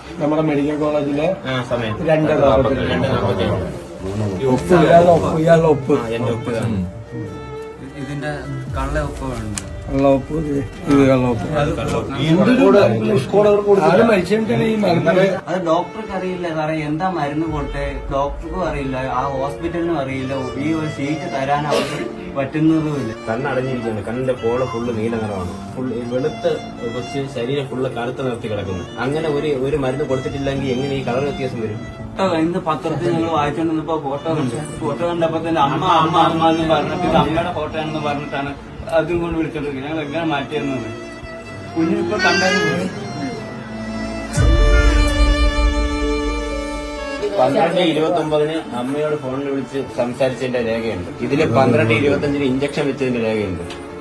നമ്മുടെ മെഡിക്കൽ കോളേജിലെ സമയം 2:47 ഇയാളുടെ ഒപ്പ് എന്റെ ഒപ്പ് ഇതിന്റെ കള്ള ഒപ്പമുണ്ട്. കള്ളവപ്പ് ഇത് കള്ളവപ്പ് ആള് മരിച്ചിട്ടാണ് ഈ മരുന്ന്. അത് ഡോക്ടർക്ക് അറിയില്ല സാറേ, എന്താ മരുന്ന് കൊടുത്തേ ഡോക്ടർക്കും അറിയില്ല, ആ ഹോസ്പിറ്റലിനും അറിയില്ല, ഈ ഒരു സീറ്റ് തരാൻ അവർക്ക് പറ്റുന്നതുമില്ല. കണ്ണടഞ്ഞിരിക്കുകയാണ്, കണ്ണിന്റെ പോള ഫുള്ള് നീല നിറമാണ്, ഫുള്ള് വെളുത്ത് കൊച്ച് ശരീരം ഫുള്ള് കറുത്ത് നിർത്തി കിടക്കുന്നു. അങ്ങനെ ഒരു മരുന്ന് കൊടുത്തിട്ടില്ലെങ്കിൽ എങ്ങനെ ഈ കളർ വ്യത്യാസം വരും? ഇന്ന് പത്രത്തിൽ നിങ്ങൾ വായിച്ചോണ്ടിരുന്നപ്പോ ഫോട്ടോ കണ്ടപ്പോ തന്നെ അമ്മ അമ്മ അമ്മ എന്ന് പറഞ്ഞിട്ട് ഇത് അമ്മയുടെ ഫോട്ടോ ആണെന്ന് പറഞ്ഞിട്ടാണ് അതും കൊണ്ട് വിളിച്ചോണ്ടിരിക്കുന്നത്. ഞങ്ങൾ എങ്ങനെ മാറ്റിയെന്നത് കുഞ്ഞിപ്പോ കണ്ടായിരുന്നു. 12:29 അമ്മയോട് ഫോണിൽ വിളിച്ച് സംസാരിച്ചതിന്റെ രേഖയുണ്ട്. ഇതില് 12:25 ഇഞ്ചക്ഷൻ വെച്ചതിന്റെ രേഖയുണ്ട്.